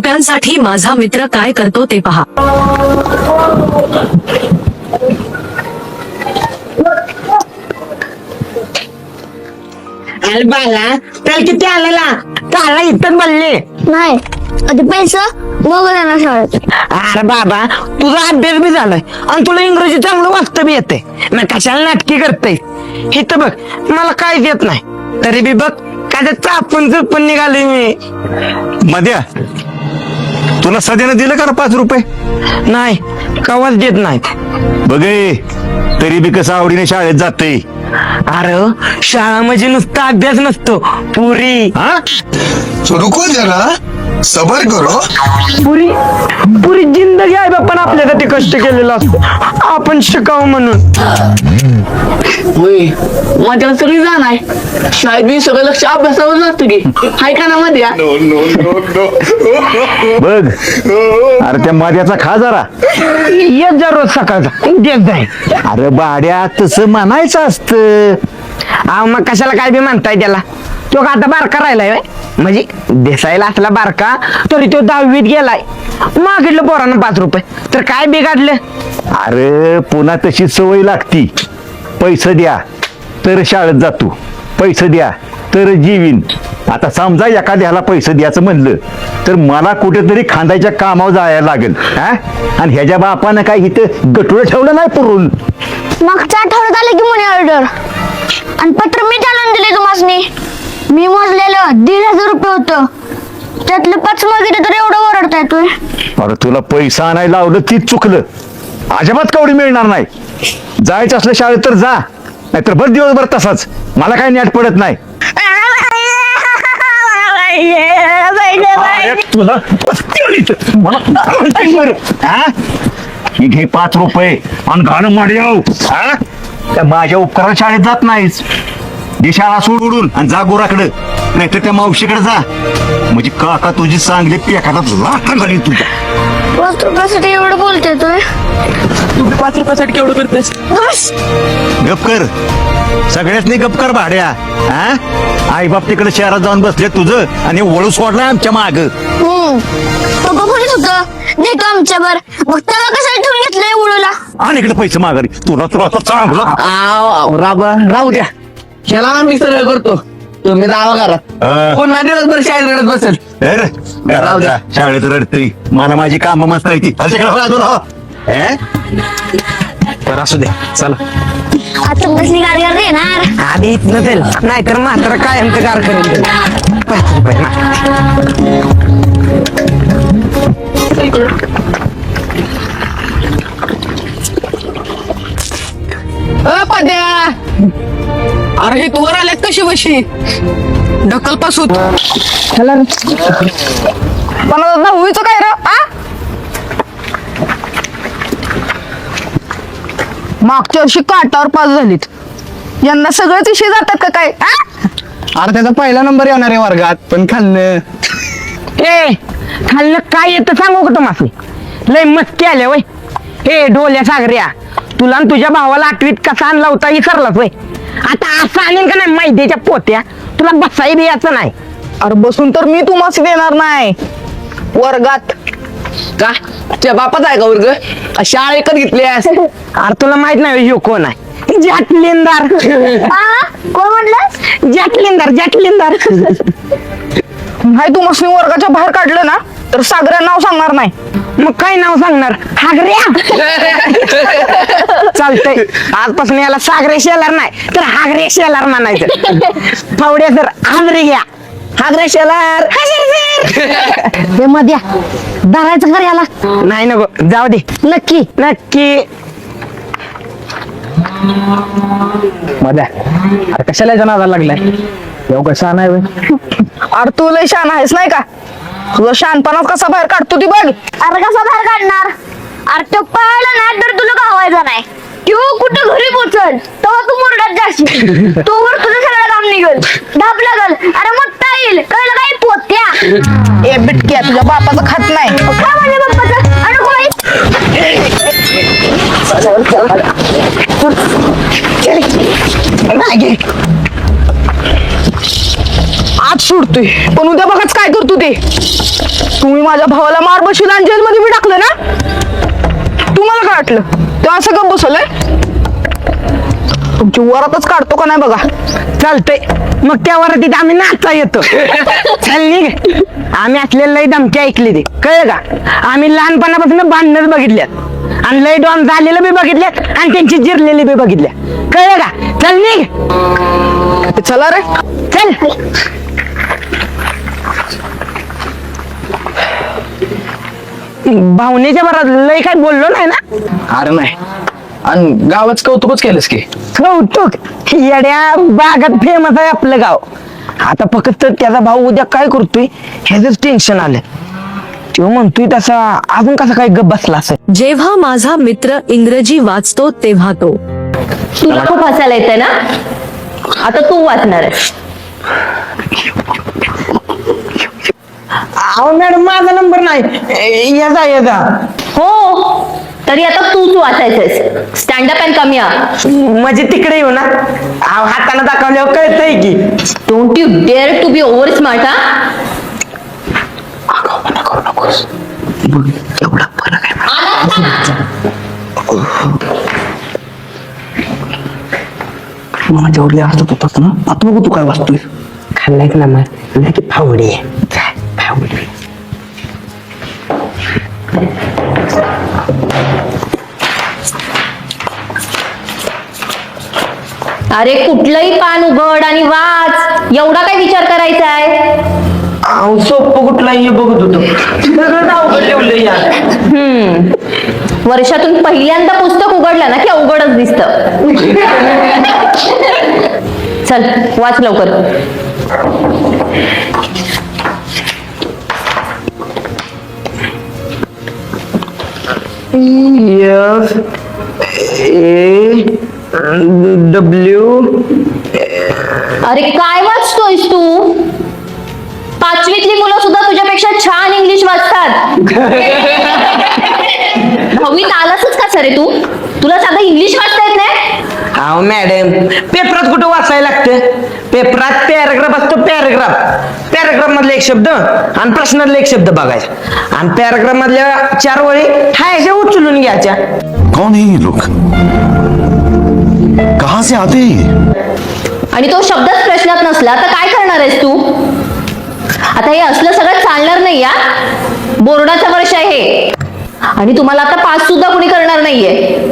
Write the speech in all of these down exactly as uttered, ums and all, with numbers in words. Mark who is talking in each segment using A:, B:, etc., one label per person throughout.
A: रुपयांसाठी माझा मित्र काय करतो ते पहा.
B: अरे बाला त्याला किती आलेला काला इथं बनले
C: नाही आधी पैसा मग जाणार शाळेत.
B: अरे बाबा तुझा अभ्यास बी झालाय आणि तुला इंग्रजी चांगलं वाचतं बी येते मग कशाला नाटकी करते. हे तर बघ मला काहीच येत नाही तरी बी बघ काय चापून चुपून निघाले मी.
D: मध्या तुला सध्यानं दिलं का ना पाच रुपये?
B: नाही कवाच देत नाहीत.
D: बघे तरी बी कसं आवडीने शाळेत जाते.
B: अरे शाळा म्हणजे नुसता अभ्यास नसतो पुरी.
D: हा
E: तो रुको जरा सबर करो.
B: पुरी पुरी जिंदगी आहे बाप्पा आपल्यासाठी कष्ट केलेलं असतं आपण शिकावं म्हणून.
F: माझ्याला सगळी जाण आहे शाळेत मी सगळं लक्ष अभ्यासावर जातं की हाय का ना मध्ये.
D: बघ अरे त्या मध्याचा खा जरा.
B: येत जा रोज सकाळचा देत जाय.
D: अरे बाड्या तसं म्हणायचं असतं.
B: अहो मग कशाला काय बी म्हणताय त्याला. तो का आता बारका राहिलाय व्हय? म्हणजे दिसायला असला बारका तरी तो दहावीत गेलाय. मागितलं पोरानं पाच रुपये तर काय बिघडलं.
D: अरे पुन्हा तशी सवय लागती. पैसे द्या तर शाळेत जातो, पैसे द्या तर जीवीन. आता समजा एखाद्याला पैसे द्यायचं म्हणलं तर मला कुठेतरी खांदायच्या कामावर जायला लागेल. हा आणि ह्याच्या बापानं काय इथं गटुळं ठेवलं नाही पुरून.
C: मागच्या आठवड्यात आले की मनी ऑर्डर आणि पत्र मी चालवून दिले तुम्हाला. मी मोजलेलं दीड हजार रुपये होतं त्यातलं पाच मागितलं तर एवढं ओरडता येतोय.
D: अरे तुला पैसा आणायला लावलं तीच चुकलं. अजिबात कवडी मिळणार नाही. जायचं असलं शाळेत तर जा नाहीतर बस दिवसभर तसाच. मला काय नेट पडत नाही. अरे तुला हा? ही घे पाच रुपये आणि घाणं माड्याव. हा त्या माझ्या उपकारात शाळेत जात नाहीस. जी शाळा सोडून आणि जा गोराकडं नाहीतर त्या मावशीकडे जा. म्हणजे काका तुझी चांगली पेकातात लाथा घालीन तुझ्या.
C: पाच रुपयासाठी एवढं बोलते तोय.
F: तू पाच रुपयासाठी केवढं करतेस.
D: गप कर सगळ्याच नाही गप कर भाड्या. हा आई बाप तिकडे शहरात जाऊन बसले तुझं आणि वळू सोडलाय आमच्या माग.
C: हम्म पप्पा बोलत होतं देतो आमच्यावर मग त्याला कशाला ठेवून घेतलंय उडूला.
D: आणि इकडे पैसे माघारी तुला तुला आता चांगलं.
F: राबा राहू द्या ह्याला मी सरळ करतो तुम्ही जावा घरात.
D: अं.
F: कोण नाही दिवसभर शाळेत रडत बसेल.
D: ए रे, घरात जा, शाळेत रडते. मला माझी काम मस्त आहे ती.
B: बरं असू द्या चला.
C: आता कसली गाडी गाडी येणार.
B: आधी इथनं देईल नाहीतर मात्र काय आमचं कार करेल. पाच रुपये
F: पद्या अरे हे तू वर आल्यात कशी बशी ढकल पासून.
B: मला दहावीचं काय रे. मागच्या वर्षी काटावर पास झालीत यंदा सगळेच विषय जातात का काय.
G: अरे त्याचा पहिला नंबर येणार आहे वर्गात पण खाल्लं.
B: ए खाल्लं काय येतं सांगू का तुम्हाला. लय मस्ती आल्या वय. ए ढोल्या सागऱ्या तुला आणि तुझ्या भावाला आठवीत कसा आणला होता विसरलाच वय. आता असं आणेल का नाही मैद्याच्या पोत्या तुला बसाई द्यायचं नाही.
G: अरे बसून तर मी तुम्हाला देणार नाही वर्गात.
F: का तुझ्या बापाचा आहे का वर्ग शाळा एकच घेतलीस.
B: अरे तुला माहित नाही ह्यो कोण आहे. जॅटलिनदार.
C: आ? कोण म्हटलं.
B: जॅटलिनदार जॅटलिनदार.
G: नाही तू मस्त वर्गाच्या बाहेर काढलं ना तर सागऱ्या नाव सांगणार नाही.
B: मग काय नाव सांगणार. हागऱ्या. चालतंय आजपासून याला सागरे शेलार नाही तर हागरे शेलार म्हणायचं. फावड्या सर हागरे घ्या. हागरे शेलार.
C: ते मध्या धरायचं कर याला.
B: नाही नको जाऊ दे.
C: नक्की
B: नक्की.
G: मध्ये अरे कशाला जनाला लागलाय एवढं शान आहे. अरे तू लय शान आहेस नाही का. तुझा शानपणात कसा बाहेर काढतो ती बघ.
C: अरे कसा बाहेर काढणार. अरे तो पळाला ना तर तुला गावायचा नाही. तू कुठं घरी पोचल तेव्हा तू मुरडात जाशील. तोवर तुझं सगळं काम निघल धाप लागल. अरे मोठा येईल कळलं काय पोत्या.
G: ए बिटक्या तुझ्या बापाचं खात नाही.
C: काय म्हणले बाप्पाचं. अरे कोण
G: आज सोडतोय पण उद्या बघाच काय करतो ते. तुम्ही माझ्या भावाला मार बशील आणि जेलमध्ये मी टाकलं ना. तुम्हाला काय वाटलं ते असं गप बसवलंय? तुमची वरातच काढतो का नाही बघा.
B: चालतंय मग त्या वरातीत आम्ही नाचता येतो. चल निघ. आम्ही असलेलं लई धमकी ऐकली ते कळलं का. आम्ही लहानपणापासून भांडणच बघितल्यात आणि लई डॉन झालेलं बी बघितल्यात आणि त्यांची जिरलेली बी बघितल्या कळलं का. चल निघ.
G: चला रे.
B: चल. भावनेच्या भरात लय काय बोललो नाही ना.
G: अरे नाही, आणि गावाच कौतुकच केलंस की.
B: कौतुक येड्या बागात फेमस आहे आपलं गाव. आता फक्त त्याचा भाऊ उद्या काय करतोय ह्याच टेन्शन आलं. तो म्हणतोय तसा अजून कसा काय गप बसला असेल.
A: जेव्हा माझा मित्र इंग्रजी वाचतो तेव्हा तो
C: तुला खूप हसायला येतंय ना. आता तू वाचणार आहेस.
B: अहो मॅडम माझा नंबर नाही. याचा याचा
C: हो, तरी आता तूच वाचायचंयस. स्टँडअप अँड कमी आ.
B: म्हणजे तिकडे येऊ ना. अहो हाताने दाखवल्यावर कळतंय की.
C: Don't you dare to be over smart. हा,
B: एवढा फरक आहे. माझ्या वडले हसत होतात ना. आता बघू तू काय वाचतोय. खाल्लाय ना मग की फावडी फावडी.
C: अरे कुठलंही पान उघड आणि वाच. एवढा काय विचार करायचा आहे.
B: अहो सोपं कुठला हे बघत होतो. सगळं अवघड ठेवलं यार.
C: हम्म वर्षातून पहिल्यांदा पुस्तक उघडलं ना की अवघडच दिसत. चल वाच लवकर.
B: F A W.
C: अरे काय वाचतोयस तू. पाचवीतली मुलं सुद्धा तुझ्यापेक्षा छान इंग्लिश वाचतात. दहावीत आलासच का सरे तू. तुला साधं इंग्लिश वाचता येत नाही.
B: अहो मॅडम पेपरात कुठं वाचायला लागतं. पेपरात पॅराग्राफ असतो. पॅराग्राफ पॅराग्राफ मधले एक शब्द आणि प्रश्नातले एक शब्द बघायचा आणि पॅराग्राफ मधल्या चार वळी हायच्या उचलून घ्यायच्या.
E: कौन है ये लोग? कहां से आते हैं ये?
C: आणि तो शब्दच प्रश्नात नसला तर काय करणार आहेस तू. आता हे असलं सगळं चालणार नाही. या बोर्डाचं वर्ष आहे हे. आणि तुम्हाला आता पास सुद्धा कुणी करणार नाहीये.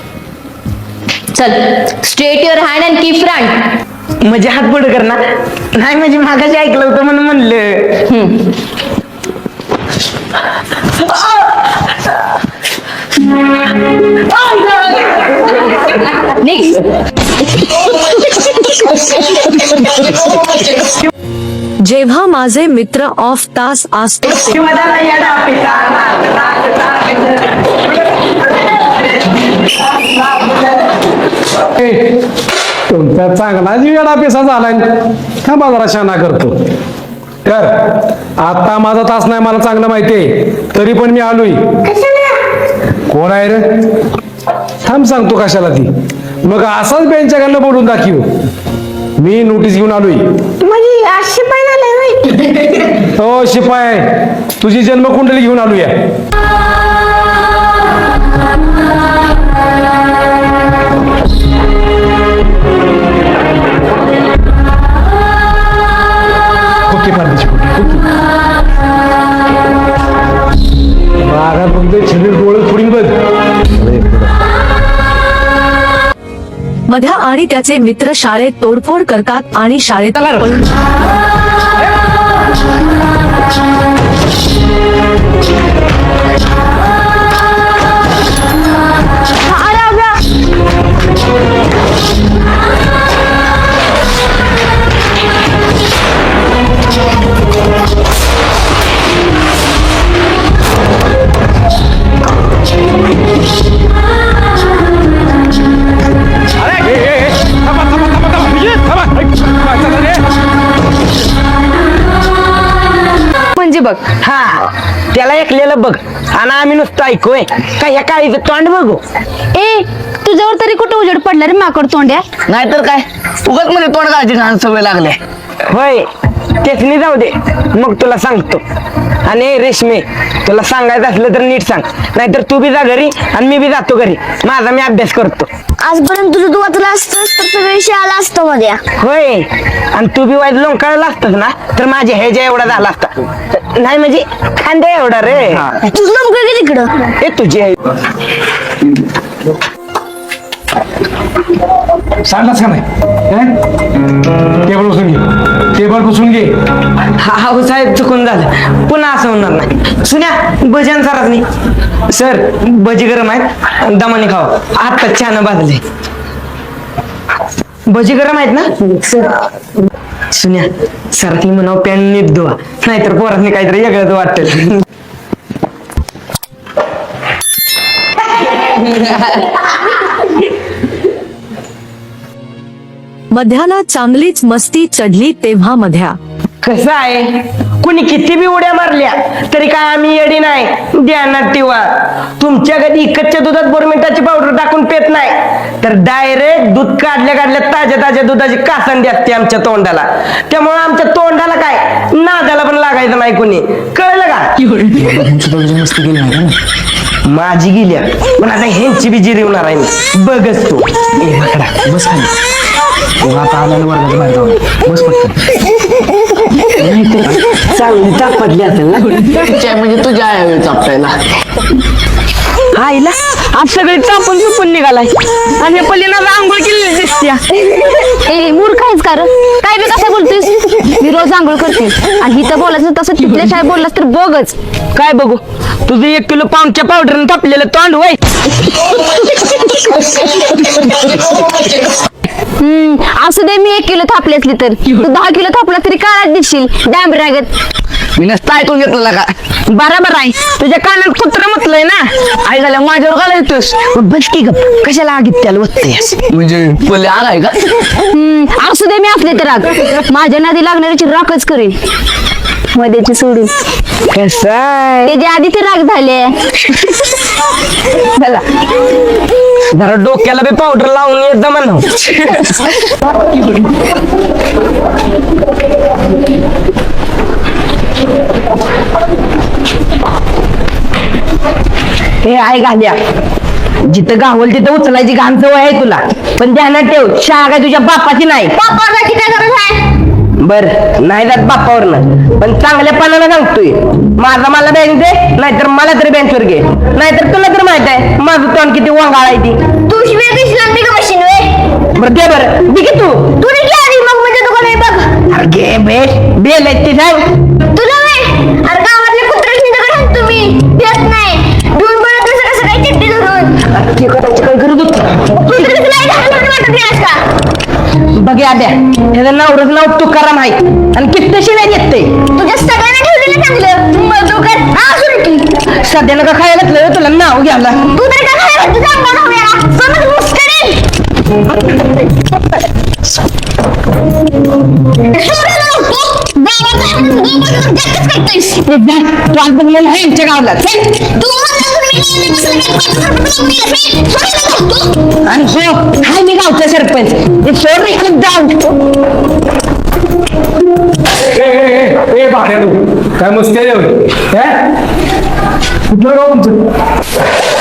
C: चल straight your hand and keep front.
B: म्हणजे हात पुढे करणार नाही. म्हणजे मागाशी ऐकलं होतं म्हणून म्हणलं.
A: जेव्हा माझे मित्र ऑफ तास असतो
H: तुमचा चांगलाच वेळा पेसा झालाय. का बाजारा शाना करतो तर आता माझा तास नाही मला चांगलं माहितीये. तरी पण मी आलोय. कोण आहे रे. थांब सांगतो कशाला ती. मग असाच बेंच्याकडनं बोलून दाखव. मी नोटीस घेऊन आलोय.
B: म्हणजे अशी पाहिजे.
H: हो शिपाय तुझी जन्मकुंडली घेऊन आलोय. ओके पारदेशी बागात बघतोय शरीर डोळे फोडीन बघ.
A: मध्या आणि त्याचे मित्र शाळेत तोडफोड करतात आणि शाळेत पळून
G: म्हणजे बघ.
B: हा त्याला ऐकलेलं बघ आणि आम्ही नुसतं ऐकूय. काय ह्या काळीचं तोंड बघू.
C: ए तुझ्यावर तरी कुठं उजेड पडला रे माकड तोंड्या.
B: नाहीतर काय उगाच मध्ये तोंड घालायची घाण सवय लागले. होय तेच नाही, जाऊ दे मग तुला सांगतो. आणि रेशमे तुला सांगायचं असलं तर नीट सांग, नाहीतर तू बी जा घरी आणि मी बी जातो घरी. माझा मी अभ्यास करतो.
C: आजपर्यंत तुझं तू वाचलं असतंस तर सगळं विषय आला असतो मध्ये.
B: होय आणि तू बी वाईट लोंकाळला असतास ना तर माझ्या ह्याच्या एवढा झाला असता. नाही म्हणजे खांद्या एवढा रे.
C: तुझं नमकं की तिकडं.
B: हे तुझी आहे.
H: सांगलास का नाही टेबल बसून घे, टेबल बसून घे.
B: हा हा साहेब चुकून झालं, पुन्हा असं होणार नाही. सुन्या भजन सराच नाही सर, भजी गरम आहेत दमाने खावा. आता छान भाजले भजी गरम आहेत ना. सुन्या सरासनी म्हणावं पॅन नीट धुवा, नाहीतर पोरासनी काहीतरी वेगळंच वाटेल.
A: मध्याला चांगलीच मस्ती चढली तेव्हा मध्या
B: कसं आहे, कुणी किती बी उड्या मारल्या तरी काय आम्ही येडी नाही. ध्यानात ठेवा, तुमच्या कधी इकतच्या दुधात बोरमिंटाची पावडर टाकून पेत नाही, तर डायरेक्ट दूध काढल्या काढल्या ताज्या ताज्या दुधाची कासंडी असते आमच्या तोंडाला. त्यामुळे आमच्या तोंडाला काय नादाला पण लागायचं नाही कुणी, कळलं का. माझी गेल्या पण आता ह्यांची बी जिरी होणार आहे मी, बघच तू. ए माकडा बस खाली. आता आल्याला वर्गाच्या बाहेर जाऊन बस पटकन. चांगली चापटली असेल ना म्हणजे तुझ्या आहे चापटायला. आईला आज सगळे चापून चुपून निघालाय आणि पल्लीना आंघोळ केलेली दिसत्या.
C: ए मूर्ख आहेस का रे? काय बी कसं बोलतोस? मी रोज आंघोळ करते आणि इथं बोलायचं तसं तिथल्या शाळेत बोललास तर बघच.
B: काय बघू, तुझं एक किलो पाऊंडच्या पावडरनं थापलेलं तोंड वय.
C: हम्म असू दे, मी एक किलो थापली असली तर तू दहा किलो थापला तरी काळात दिसशील डांबरागत.
B: मी नसता ऐकून घेतलं का. बरोबर आहे, तुझ्या कानात कुत्र म्हटलंय ना. आई झाल्या माझ्यावर घाला येतोस. बस की गप, कशाला आगीत त्याला वाटतेस म्हणजे बोले आग आहे का.
C: हम्म असू दे, मी असले तर राग माझ्या नादी लागणाऱ्याची राखच करेन मध्येची सोडून.
B: कसं आहे
C: त्याच्या आधी ते राग झाले.
B: चला जरा डोक्याला बी पावडर लावून येत जमा. हे आहे घाल्या, जिथं गावल तिथं उचलायची घाण सवय आहे तुला, पण ध्यानात ठेव शाळा काय तुझ्या बापाची नाही.
C: बापाची काय गरज आहे?
B: बर नाही जात बापावरनं, पण चांगल्या पानाला सांगतोय. माझा मला बँक दे, नाहीतर मला तरी बँकवर घे, नाहीतर तुला तर माहित आहे माझं तोंड किती वांगाळ आहे ती.
C: तू शिवाय दिसला मी का मशीन वे.
B: बरं दे बरं दे की तू.
C: तू निघली आधी मग म्हणजे दुकान आहे बघ.
B: अरे घे बेस बेल आहे ती सांग.
C: तुला वे अरे गावातले कुत्रे दगड तुम्ही देत नाही धुवून पडत कसं कसं काय चिट्टी धरून
B: ते करायची काय गरज होती.
C: कुत्रे कसं नाही घालून वाटत नाही का.
B: बघ आद्या, ह्याचं नावरच नाव तुकाराम आहे आणि किती शिवाय येते.
C: तुझ्या सगळ्यांना ठेवलेलं चांगलं मग तू काय हा सुरू की
B: सध्यानं का खायला घातलं तुला नाव घ्यायला.
C: तू तरी का काय तुझा अंगावर हव्याला समज मुस्कडेल.
B: तू आज बघलेलं आहे यांच्या गावाला आणि हो हाय मी गावचा सरपंच. ते सोड रे खूप जाऊ.
H: ए, ए, ए भाड्यानो काय मस्ती आहे होय? हे? कुठलं गाव तुमचं?